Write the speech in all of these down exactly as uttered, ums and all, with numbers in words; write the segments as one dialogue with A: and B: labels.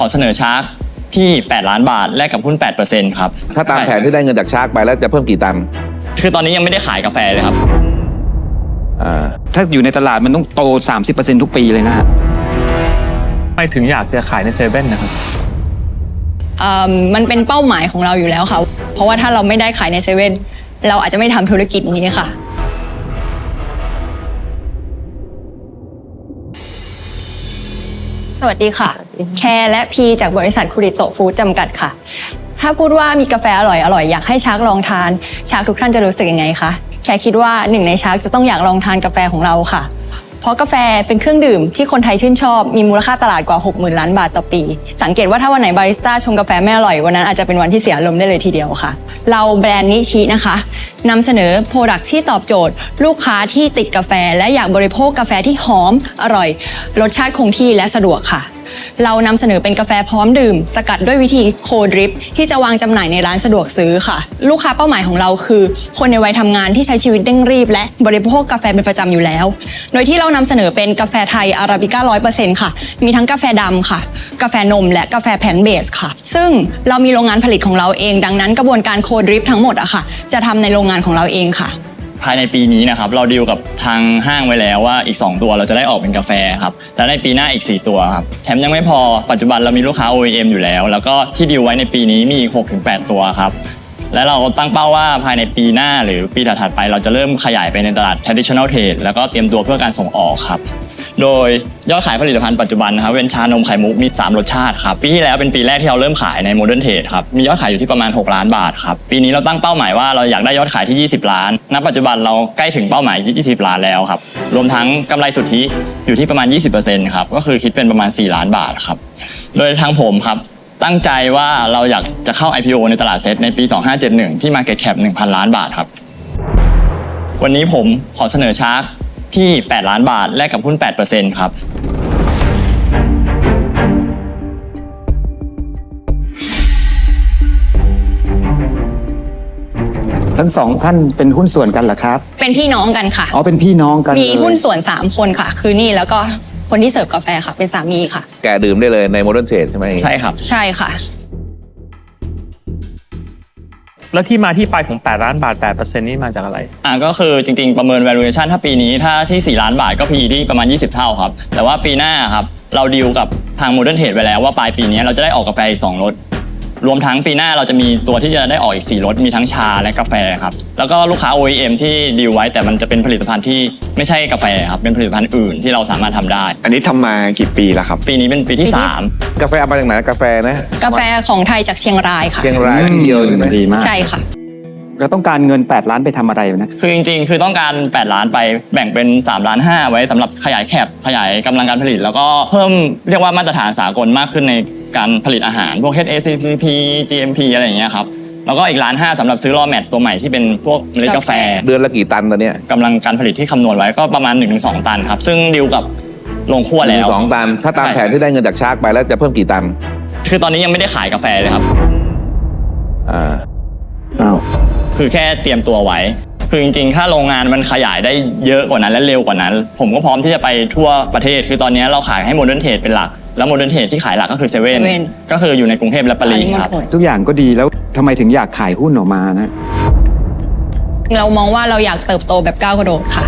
A: อเสนอชาร์กที่แปดล้านบาทแลกกับหุ้น แปดเปอร์เซ็นต์ ครับ
B: ถ้าตามแผนที่ได้เงินจากชาร์กไปแล้วจะเพิ่มกี่ตัน
A: คือตอนนี้ยังไม่ได้ขายกาแฟเลยครับ
B: อ่า
C: ถ้าอยู่ในตลาดมันต้องโต สามสิบเปอร์เซ็นต์ ทุกปีเลยนะฮะ
D: ทำไมถึงอยากจะขายในเซเว่นนะครับ
E: มันเป็นเป้าหมายของเราอยู่แล้วค่ะเพราะว่าถ้าเราไม่ได้ขายในเซเว่นเราอาจจะไม่ทำธุรกิจนี้ค่ะสวัสดีค่ะแคร์และพีจากบริษัทคุริโตะฟู้ดจำกัดค่ะถ้าพูดว่ามีกาแฟอร่อยอร่อยอยากให้ชาร์กลองทานชาร์กทุกท่านจะรู้สึกยังไงคะแคร์คิดว่าหนึ่งในชาร์กจะต้องอยากลองทานกาแฟของเราค่ะเพราะกาแฟเป็นเครื่องดื่มที่คนไทยชื่นชอบมีมูลค่าตลาดกว่า หกหมื่น ล้านบาทต่อปีสังเกตว่าถ้าวันไหนบาริสต้าชงกาแฟไม่อร่อยวันนั้นอาจจะเป็นวันที่เสียอารมณ์ได้เลยทีเดียวค่ะเราแบรนด์นิชินะคะนำเสนอโปรดักต์ที่ตอบโจทย์ลูกค้าที่ติดกาแฟและอยากบริโภคกาแฟที่หอมอร่อยรสชาติคงที่และสะดวกค่ะเรานำเสนอเป็นกาแฟพร้อมดื่มสกัดด้วยวิธีโคดริปที่จะวางจำหน่ายในร้านสะดวกซื้อค่ะลูกค้าเป้าหมายของเราคือคนในวัยทำงานที่ใช้ชีวิตเร่งรีบและบริโภคกาแฟเป็นประจำอยู่แล้วโดยที่เรานำเสนอเป็นกาแฟไทยอาราบิก้า ร้อยเปอร์เซ็นต์ ค่ะมีทั้งกาแฟดำค่ะกาแฟนมและกาแฟแพนเบสค่ะซึ่งเรามีโรงงานผลิตของเราเองดังนั้นกระบวนการโคดริปทั้งหมดอะค่ะจะทำในโรงงานของเราเองค่ะ
A: ภายในปีนี้นะครับเราดีลกับทางห้างไว้แล้วว่าอีกสองตัวเราจะได้ออกเป็นกาแฟครับแล้วในปีหน้าอีกสี่ตัวครับแถมยังไม่พอปัจจุบันเรามีลูกค้า โอ อี เอ็ม อยู่แล้วแล้วก็ที่ดีลไว้ในปีนี้มีอีก หกถึงแปด ตัวครับและเราตั้งเป้าว่าภายในปีหน้าหรือปีถัดๆไปเราจะเริ่มขยายไปในตลาด traditional trade แล้วก็เตรียมตัวเพื่อการส่งออกครับโดยยอดขายผลิตภัณฑ์ปัจจุบันนะครับเป็นชานมไข่มุกมีสามรสชาติครับปีที่แล้วเป็นปีแรกที่เราเริ่มขายใน Modern Trade ครับมียอดขายอยู่ที่ประมาณหกล้านบาทครับปีนี้เราตั้งเป้าหมายว่าเราอยากได้ยอดขายที่ยี่สิบล้านณปัจจุบันเราใกล้ถึงเป้าหมายยี่สิบล้านแล้วครับรวมทั้งกำไรสุทธิอยู่ที่ประมาณ ยี่สิบเปอร์เซ็นต์ ครับก็คือคิดเป็นประมาณสี่ล้านบาทครับโดยทางผมครับตั้งใจว่าเราอยากจะเข้า ไอ พี โอ ในตลาดเซ็ตในปีสองพันห้าร้อยเจ็ดสิบเอ็ดที่ Market Cap หนึ่งพัน ล้านบาทครับวันนี้ผมขอเสนอชาร์กที่แปดล้านบาทแลกกับหุ้น แปดเปอร์เซ็นต์ ครับ
C: ทั้งสองท่านเป็นหุ้นส่วนกันเหรอครับ
E: เป็นพี่น้องกันค่ะ
C: อ๋อเป็นพี่น้องกัน
E: มีหุ้นส่วนสามคนค่ะคือนี่แล้วก็คนที่เสิร์ฟกาแฟค่ะเป็นสามีค่ะ
B: แกดื่มได้เลยใน Modern Trade ใช่ไหม
A: ใช่ครับ
E: ใช่ค่ะ
D: แล้วที่มาที่ไปของแปดล้านบาท แปดเปอร์เซ็นต์ นี่มาจากอะไร
A: อ่าก็คือจริงๆประเมิน valuation ถ้าปีนี้ถ้าที่สี่ล้านบาทก็ พี อี ที่ประมาณยี่สิบเท่าครับแต่ว่าปีหน้าครับเราดีลกับทาง Modern Trade ไว้แล้วว่าปลายปีนี้เราจะได้ออกกาแฟอีกสองรสรวมทั้งปีหน้าเราจะมีตัวที่จะได้ออกอีกสี่รสมีทั้งชาและกาแฟครับแล้วก็ลูกค้า โอ อี เอ็ม ที่ดีลไว้แต่มันจะเป็นผลิตภัณฑ์ที่ไม่ใช่กาแฟครับเป็นผลิตภัณฑ์อื่นที่เราสามารถทำได้
F: อันนี้ทำมากี่ปีแล้วครับ
A: ปีนี้เป็นปีที่สาม
B: กาแฟเอามาจากไหนกาแฟนะ
E: กาแฟของไทยจากเชียงรายค่ะ
B: เชียงรายที่เดียวใช่ไหม
C: ดีมาก
E: ใช่ค่ะ
C: เราต้องการเงินแปดล้านไปทำอะไรนะ
A: คือจริงๆคือต้องการแปดล้านไปแบ่งเป็นสามล้านห้าไว้สำหรับขยายแคปขยายกำลังการผลิตแล้วก็เพิ่มเรียกว่ามาตรฐานสากลมากขึ้นในการผลิตอาหารพวก เอช เอ ซี พี จี เอ็ม พี อะไรอย่างเงี้ยครับแล้วก็อีกล้านห้าสำหรับซื้อรอแมทตัวใหม่ที่เป็นพวกเมล็ดกาแฟ
B: เดือนละกี่ตันตอนนี้
A: กำลังการผลิตที่คำนวณไว้ก็ประมาณ หนึ่งถึงสอง ตันครับซึ่งดีลกับโรงคั่วแล้ว
B: สองตันถ้าตามแผนที่ได้เงินจากชาร์กไปแล้วจะเพิ่มกี่ตัน
A: คือตอนนี้ยังไม่ได้ขายกาแฟเลยครับ
B: อ่า
C: อ้าว
A: คือแค่เตรียมตัวไว้คือจริงๆถ้าโรงงานมันขยายได้เยอะกว่านั้นและเร็วกว่านั้นผมก็พร้อมที่จะไปทั่วประเทศคือตอนนี้เราขายให้ Modern Trade เป็นหลักแล้ว Modern Trade ที่ขายหลักก็คือเซเว่นก็คืออยู่ในกรุงเทพและปริมณฑลครับ
C: ทุกอย่างก็ดีแล้วทำไมถึงอยากขายหุ้นออกมานะ
E: เรามองว่าเราอยากเติบโตแบบก้าวกระโดดค่ะ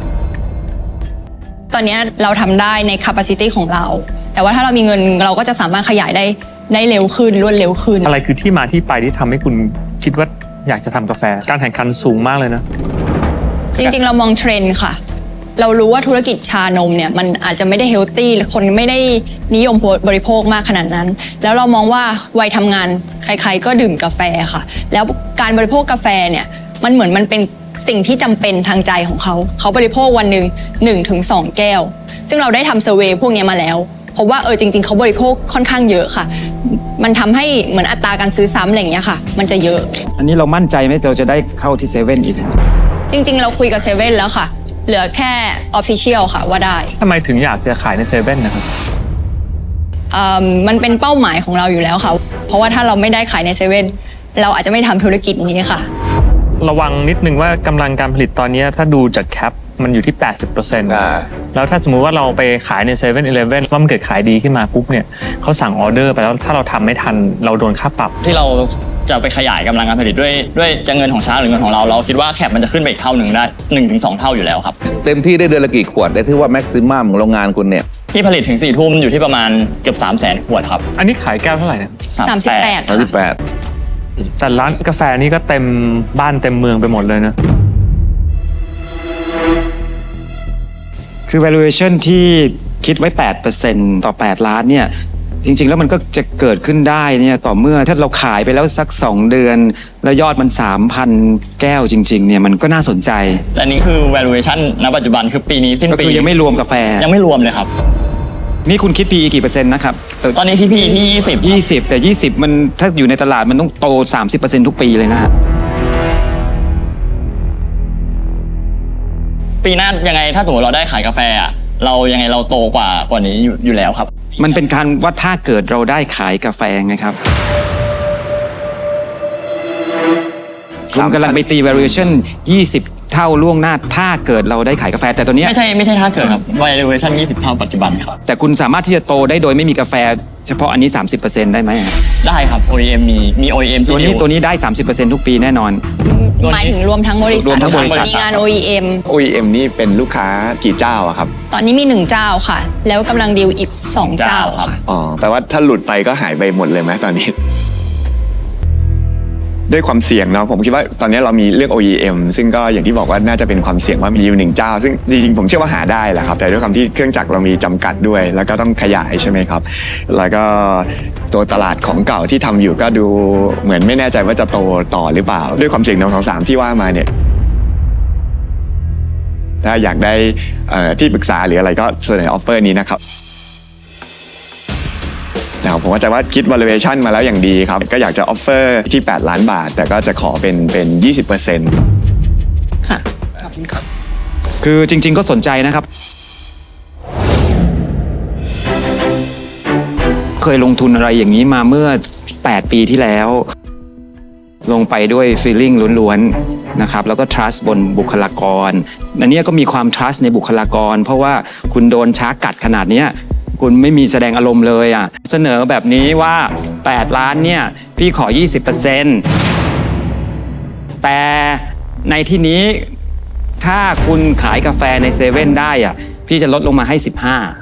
E: ตอนนี้เราทำได้ใน capacity ของเราแต่ว่าถ้าเรามีเงินเราก็จะสามารถขยายได้ได้เร็วขึ้นรวดเร็วขึ้น
D: อะไรคือที่มาที่ไปที่ทำให้คุณคิดว่าอยากจะทำกาแฟการแข่งขันสูงมากเลยนะ
E: จริงๆเรามองเทรนด์ค่ะเรารู้ว่าธุรกิจชานมเนี่ยมันอาจจะไม่ได้เฮลตี้คนไม่ได้นิยมบริโภคมากขนาดนั้นแล้วเรามองว่าวัยทำงานใครๆก็ดื่มกาแฟค่ะแล้วการบริโภคกาแฟเนี่ยมันเหมือนมันเป็นสิ่งที่จำเป็นทางใจของเขาเขาบริโภควันหนึ่ง หนึ่งถึงสอง แก้วซึ่งเราได้ทำเซอร์เวย์พวกนี้มาแล้วพบว่าเออจริงๆเขาบริโภคค่อนข้างเยอะค่ะมันทำให้เหมือนอัตราการซื้อซ้ำอะไรอย่างเงี้ยค่ะมันจะเยอะ
C: อันนี้เรามั่นใจไหมเราจะได้เข้าที่เซเว่นอีก
E: จริงๆเราคุยกับเซเว่นแล้วค่ะเหลือแค่ official ค่ะว่าได้
D: ทำไมถึงอยากจะขายในเซเว่นนะครับ
E: มันเป็นเป้าหมายของเราอยู่แล้วค่ะเพราะว่าถ้าเราไม่ได้ขายในเซเว่นเราอาจจะไม่ทำธุรกิจนี้ค่ะ
D: ระวังนิดนึงว่ากำลังการผลิตตอนนี้ถ้าดูจากแคปมันอยู่ที่ แปดสิบเปอร์เซ็นต์
B: อ่า
D: แล้วถ้าสมมุติว่าเราไปขายในเซเว่นอีเลฟเว่นว่ามันเกิดขายดีขึ้นมาปุ๊บเนี่ยเขาสั่งออเดอร์ไปแล้วถ้าเราทำไม่ทันเราโดนค่าปรับ
A: ที่เราจะไปขยายกำลังการผลิตด้วยด้วยจะเงินของชาร์กหรือเงินของเราเราคิดว่าแคปมันจะขึ้นไปอีกเท่าหนึ่งได้หนึ่งถึงสองเท่าอยู่แล้วครับ
B: เต็มที่ได้เดือนละกี่ขวดได้ที่ว่าแม็กซิมัมของโรงงานคุณเนี่ย
A: ที่ผลิตถึงสี่ทุ่มอยู่ที่ประมาณเกือบสามแสนขวดครับ
D: อันนี้ขายแก้วเท่าไหร่เนี่ย
E: สามสิบแปด
B: สามสิบแปด
D: จัดร้านกาแฟนี่ก็เต็มบ้านเต็มเมืองไปหมดเลยนะ
C: คือ valuation ที่คิดไว้ แปดเปอร์เซ็นต์ ต่อ แปด ล้านเนี่ยจริงๆแล้วมันก็จะเกิดขึ้นได้เนี่ยต่อเมื่อถ้าเราขายไปแล้วสักสองเดือน แล้วยอดมัน สามพัน แก้วจริงๆเนี่ยมันก็น่าสนใจ
A: แต่อันนี้คือ valuation ณ ปัจจุบันคือปีนี้สิ้น
C: ก็
A: ปี
C: คือยังไม่รวมกาแฟ
A: ยังไม่รวมเลยครับ
C: นี่คุณคิด พี อี กี่เปอร์เซ็นต์นะครับ
A: ตอนนี้ที่พี่ที่ยี่สิบ
C: ยี่สิบแต่ยี่สิบมันถ้าอยู่ในตลาดมันต้องโต สามสิบเปอร์เซ็นต์ ทุกปีเลยนะฮะ
A: ปีหน้ายังไงถ้าสมมติเราได้ขายกาแฟอะเรายังไงเราโตกว่ากว่านี้อยู่อยู่แล้วครับ
C: มันเป็นการว่าถ้าเกิดเราได้ขายกาแฟไงครับคุณกำลังไปตี valuation ยี่สิบ เท่าล่วงหน้าถ้าเกิดเราได้ขายกาแฟแต่ตอนเนี้ย
A: ไม่ใช่ไม่ใช่ถ้าเกิดครับ valuation ยี่สิบเท่าปัจจุบันครับ
C: แต่คุณสามารถที่จะโตได้โดยไม่มีกาแฟเฉพาะอันนี้ สามสิบเปอร์เซ็นต์ ได้ไหมฮะ
A: ได้ครับ โอ อี เอ็ม มีมี โอ อี เอ็ม
C: ตัว
A: ที่
C: นี้
A: ดิว
C: ตัวนี้ได้ สามสิบเปอร์เซ็นต์ ทุกปีแน่นอน
E: หมายถึงรวมทั้งบริษัท
C: รวมทั้งบริษัท
E: มีงาน โอ อี เอ็ม
F: โอ อี เอ็ม นี่เป็นลูกค้ากี่เจ้าอะครับ
E: ตอนนี้มีหนึ่งเจ้าค่ะ แล้วกำลังดีลอีกสองเจ้าค่ะ
F: อ๋อแปลว่าถ้าหลุดไปก็หายไปหมดเลยไหมตอนนี้ ด้วยความเสี่ยงเนาะผมคิดว่าตอนนี้เรามีเรื่อง โอ อี เอ็ม ซึ่งก็อย่างที่บอกว่าน่าจะเป็นความเสี่ยงว่ามีอยู่หนึ่งเจ้า ซึ่งจริงๆผมเชื่อว่าหาได้แหละครับแต่ด้วยความที่เครื่องจักรเรามีจำกัดด้วย แล้วก็ต้องขยายใช่ไหมครับแล้วก็ตัวตลาดของเก่าที่ทำอยู่ก็ดูเหมือนไม่แน่ใจว่าจะโตต่อหรือเปล่า ด้วยความเสี่ยงหนึ่งสองสามที่ว่ามาเนี่ยถ้าอยากได้เอ่อที่ปรึกษาหรืออะไรก็เสนอออฟเฟอร์นี้นะครับนะครับผมว่าใจว่าคิด valuation มาแล้วอย่างดีครับก็อยากจะออฟเฟอร์ที่แปดล้านบาทแต่ก็จะขอเป็นเป็น ยี่สิบเปอร์เซ็นต์
E: ค่ะ ขอบคุณครับ
C: คือจริง ๆ ก็สนใจนะครับ เคยลงทุนอะไรอย่างนี้มาเมื่อ แปด ปีที่แล้ว ลงไปด้วย feeling ล้วนๆนะครับแล้วก็ trust บนบุคลากรอันเนี้ยก็มีความ trust ในบุคลากร เพราะว่าคุณโดนช้ากัดขนาดเนี้ยคุณไม่มีแสดงอารมณ์เลยอ่ะเสนอแบบนี้ว่า แปด ล้านเนี่ยพี่ขอ ยี่สิบเปอร์เซ็นต์ แต่ในที่นี้ถ้าคุณขายกาแฟในเซเว่นได้อ่ะพี่จะลดลงมาให้สิบห้า